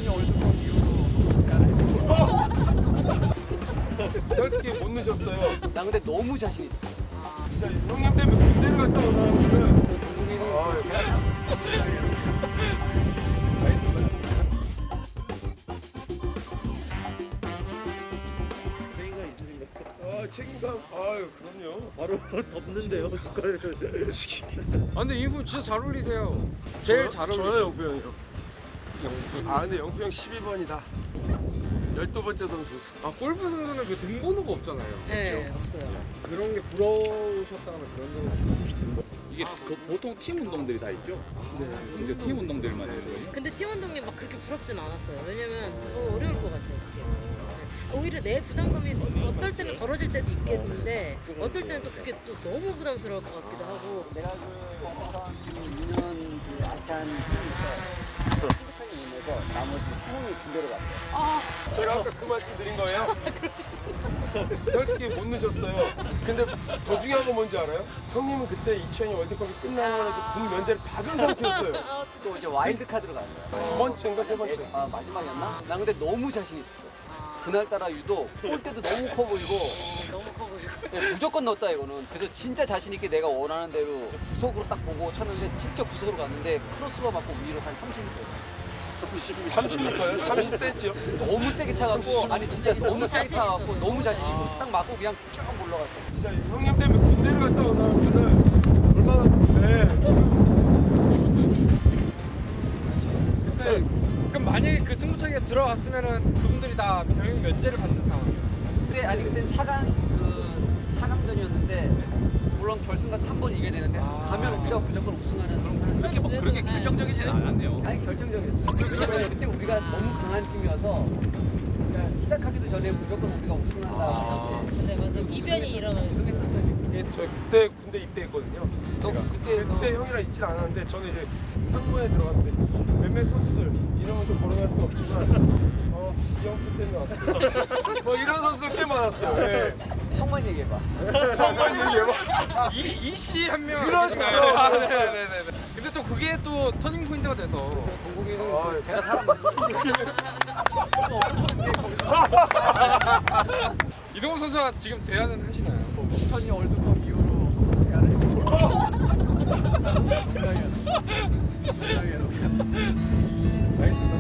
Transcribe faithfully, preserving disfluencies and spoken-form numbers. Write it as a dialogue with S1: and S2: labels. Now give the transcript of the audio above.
S1: 이천이 월드컵 이후로
S2: 어떻게 못 넣으셨어요?
S1: 나 근데 너무 자신 있어.
S2: 진짜 형님 때문에 군대를 갔다 오나는 아 책임감. 아유 그럼요.
S3: 바로 덮는데요, 숟가락을.
S4: 아 근데 이분 진짜 잘 어울리세요. 제일 잘
S2: 저요
S4: 어울리세요.
S2: 영표 형이요. 아 근데 영표 형 십이 번이다. 열두 번째 선수.
S4: 아 골프 선수는 그 등번호가 없잖아요.
S5: 네, 없어요.
S4: 그런 게 부러우셨다면 그런 점.
S3: 이게 그 보통 팀 운동들이 다 있죠? 네. 근데 팀 운동들만 있는 거예요?
S5: 근데 팀원동이 막 그렇게 부럽진 않았어요. 왜냐면 더 어려울 것 같아요. 그게. 네. 오히려 내 부담감이 어떨 때는 덜어질 때도 있겠는데 어떨 때는 또 그게 또 너무 부담스러울 것 같기도 하고.
S1: 내가 그 이 년 그 아시안 팀에서 핸드폰이 오면서 나머지 팀원이 군대로 갔어요.
S2: 제가 아까 그 말씀 드린 거예요? 어떻게 못 넣으셨어요? 근데 더 중요한 건 뭔지 알아요? 형님은 그때 이천이 월드컵이 끝나고 나서 군 면제를 받은 상태였어요.
S1: 또 이제 와일드 카드로 간 거야.
S2: 두 번째인가 세 번째.
S1: 아 마지막이었나? 나 근데 너무 자신 있었어. 그날따라 유독 골대도 너무 커 보이고
S5: 너무 커 보이고.
S1: 네, 무조건 넣었다 이거는. 그래서 진짜 자신 있게 내가 원하는 대로 구석으로 딱 보고 쳤는데 진짜 구석으로 갔는데 크로스가 맞고 위로 한 삼십 미터.
S2: 삼십 미터요? 삼십 센티미터요?
S1: 너무 세게 차갖고 아니 진짜 너무 세게
S5: 자신
S1: 차갖고
S5: 있어서.
S1: 너무 자신 있고 딱 맞고 그냥 쭉 올라갔어.
S2: 진짜 형님 때문에 군대를 갔다 오나는 얼마나 네.
S4: 그때 그럼 만약에 그 승부차기가 들어갔으면은 그분들이 다 병역 면제를 받는 상황이에요.
S1: 그때 아니 그때 사강 그 사강전이었는데 물론 결승까지 한 번 이겨야 되는데
S4: 아.
S1: 가면 우리가 무조건 우승하는 그런
S3: 그렇게 뭐 그렇게 결정적이진 않았네요.
S1: 아니 결정적이었어. 왜냐면 그때 우리가 너무 강한 팀이어서 그러니까 시작하기도 전에 무조건 우리가 우승한다.
S4: 아.
S5: 네, 맞아요. 이변이 일어나서.
S1: 우승했었어요.
S2: 예, 저 그때 군대 입대했거든요.
S1: 너
S2: 제가.
S1: 그때
S2: 그때
S1: 너-
S2: 형이랑 있진 않았는데 저는 이제 상무에 들어갔는데 몇몇 선수들 이름은 좀 거론할 수 없지만 어 이영표 때문에 왔어요. 뭐 이런 선수들 꽤 많았어요. 네.
S1: 성만 얘기해봐.
S2: 성관 얘기해봐.
S4: 이 이씨 한 명
S2: 그렇죠.
S4: 계신가요? 아, 네네네. 근데 또 그게 또 터닝 포인트가 돼서
S1: 동국이는
S2: 아,
S1: 그 제가 사람 만났어.
S4: 이동훈 선수가 지금 대안은 하시나요?
S1: 이천이 월드컵 이후로
S2: 알겠습니다.